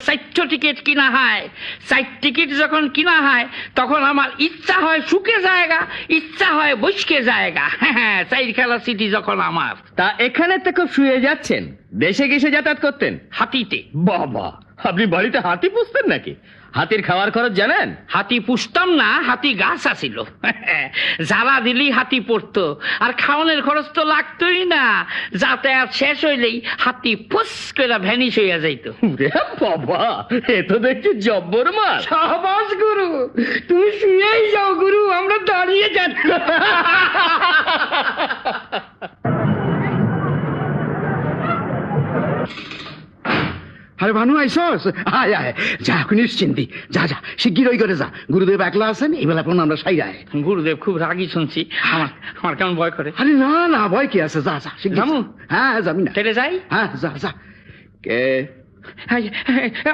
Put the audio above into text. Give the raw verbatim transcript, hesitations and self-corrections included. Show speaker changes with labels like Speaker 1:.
Speaker 1: চারটো ticket কিনা হয়। চার টিকিট যখন কিনা হয় তখন আমার ইচ্ছা হয় সুখে জায়গা, ইচ্ছা হয় বসকে জায়গা। হ্যাঁ, চাইর খেলা সিটি যখন আমার।
Speaker 2: তা এখানে তো খুব শুয়ে যাচ্ছেন, দেশে গেছে যাতায়াত করতেন?
Speaker 1: হাতিতে।
Speaker 2: বাবা, আপনি বাড়িতে হাতি পুষতেন নাকি? হাতির খাওয়ার খরচ জানেন?
Speaker 1: হাতি পুষতাম না, হাতি গাছ আছিল। জ্বালা দিলেই হাতি পড়তো, আর খাওয়ানোর খরচ তো লাগতোই না। যাতায়াত শেষ হইলেই হাতি ফুস করে ভ্যানিশ হইয়া যাইতো।
Speaker 2: ওরে বাবা, এ তো দেখছি জব্বর মাল।
Speaker 1: সাবাস গুরু, তুমি শুয়েই যাও গুরু, আমরা দাঁড়িয়ে যাচ্ছি।
Speaker 3: আরে ভানু আইসস, আয় আয়, যা এখন নিশ্চিন্তি, যা যা শিগগির ওই করে যা। গুরুদেব একলা আছেন, এই বেলা পর আমরা সাই আয়।
Speaker 1: গুরুদেব খুব রাগী শুনছি, আমার আমার কেমন ভয় করে।
Speaker 3: আরে না না, ভয় কি আছে, যা যা শিগগির
Speaker 1: যামু?
Speaker 3: যা। হ্যাঁ যাবি না?
Speaker 1: তেরে যাই।
Speaker 3: হ্যাঁ যা যা। কে?